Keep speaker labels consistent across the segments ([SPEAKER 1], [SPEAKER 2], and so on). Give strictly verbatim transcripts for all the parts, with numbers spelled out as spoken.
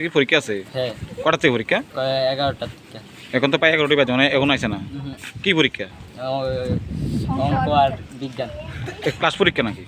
[SPEAKER 1] কি পরীক্ষা আছে?
[SPEAKER 2] হ্যাঁ।
[SPEAKER 1] কটার থেকে পরীক্ষা?
[SPEAKER 2] এগারোটার থেকে।
[SPEAKER 1] এখন তো প্রায় এগারোটাই বাজে, মানে এখন আসে না। কি পরীক্ষা?
[SPEAKER 2] অঙ্ক আর বিজ্ঞান।
[SPEAKER 1] ক্লাস পরীক্ষা নাকি?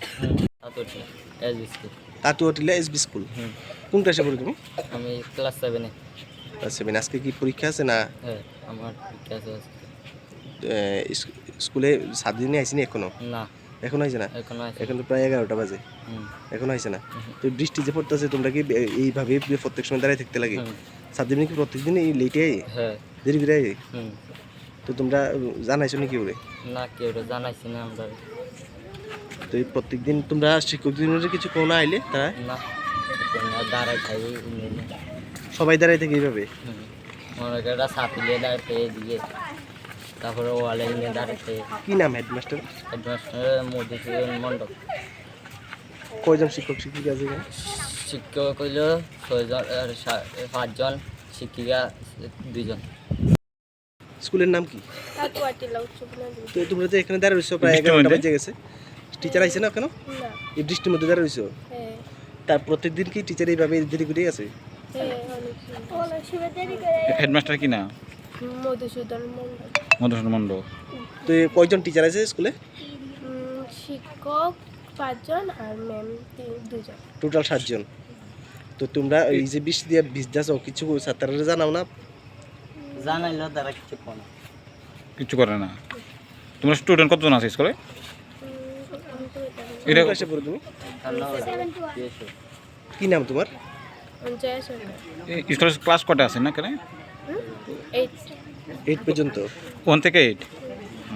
[SPEAKER 3] Tatuatila SB school. কোন ক্লাসে পড়ো তুমি?
[SPEAKER 2] আমি ক্লাস সেভেনে।
[SPEAKER 3] Class seven. আজকে কি পরীক্ষা আছে না?
[SPEAKER 2] হ্যাঁ, আমার পরীক্ষা আছে আজকে।
[SPEAKER 3] স্কুলে সাত দিনে আইসিনি এখনো?
[SPEAKER 2] না,
[SPEAKER 3] এখন আইছে না?
[SPEAKER 2] এখন আছে।
[SPEAKER 3] এখন তো প্রায় এগারোটা বাজে, এখন আইছে না। তো বৃষ্টি যে পড়তেছে, তোমরা কি এইভাবে প্রত্যেক সময় দাঁড়ায় থাকতে লাগে? সাত দিনে কি প্রত্যেকদিন এই লেটে আই?
[SPEAKER 2] হ্যাঁ,
[SPEAKER 3] দেরি করে আই?
[SPEAKER 2] হুম।
[SPEAKER 3] তো তোমরা জানাইছো নাকি ওরে?
[SPEAKER 2] না, কেউ জানাইছি না আমরা।
[SPEAKER 3] তো এই প্রত্যেকদিন তোমরা শিক্ষক দিনের কিছু কোনো আইলে তারা?
[SPEAKER 2] না, দাঁড়াই খাই।
[SPEAKER 3] সবাই দাঁড়াই থাকে এইভাবে?
[SPEAKER 2] মনে করে সাপিলে দাঁড়াতে দিয়ে, তারপরে ওয়ালে নিয়ে দাঁড়াতে।
[SPEAKER 3] কি নাম হেডমাস্টার?
[SPEAKER 2] হেডমাস্টার মধুসূদন মণ্ডল।
[SPEAKER 3] কয়জন শিক্ষক শিক্ষিকা আছে এখানে?
[SPEAKER 2] শিক্ষক হইল ছয়জন, পাঁচজন, শিক্ষিকা দুইজন।
[SPEAKER 3] স্কুলের নাম কি?
[SPEAKER 4] তাতুয়াটিলা উচ্চ বিদ্যালয়।
[SPEAKER 3] তো তোমরা তো এখানে দাঁড়িয়ে রয়েছো, প্রায় এগারোটা বেজে গেছে। টিচার আইছে না কেন?
[SPEAKER 4] না।
[SPEAKER 3] এই বৃষ্টির মধ্যে দাঁড়িয়ে রয়েছো?
[SPEAKER 4] হ্যাঁ।
[SPEAKER 3] তার প্রত্যেকদিন কি টিচার এইভাবে দেরি করে আছে?
[SPEAKER 4] হ্যাঁ, অনেক সময় দেরি করে।
[SPEAKER 1] হেডমাস্টার কি না?
[SPEAKER 4] মধুসূদন মণ্ডল।
[SPEAKER 1] মধুসূদন মণ্ডল।
[SPEAKER 3] তো এই কয়জন টিচার আছে স্কুলে?
[SPEAKER 4] উম, শিক্ষক পাঁচজন আর ম্যাম দুজন।
[SPEAKER 3] টোটাল সাতজন। তো তোমরা এই যে বৃষ্টি দিয়ে ভিজতেছ, কিছু ছাত্ররা জানাও না?
[SPEAKER 2] জানাইলো তারা কিছু কোন
[SPEAKER 1] কিছু করে না। তোমরা স্টুডেন্ট কতজন আছে স্কুলে?
[SPEAKER 4] উম, আমি তো এটা জানি
[SPEAKER 1] এটা
[SPEAKER 3] কোন ক্লাসে পড়ো তুমি? কি নাম তোমার?
[SPEAKER 4] না। জয়া সরকার।
[SPEAKER 1] স্কুলের ক্লাস কটা আছে না কেন?
[SPEAKER 4] এইট।
[SPEAKER 3] এইট পর্যন্ত?
[SPEAKER 1] ওয়ান থেকে এইট?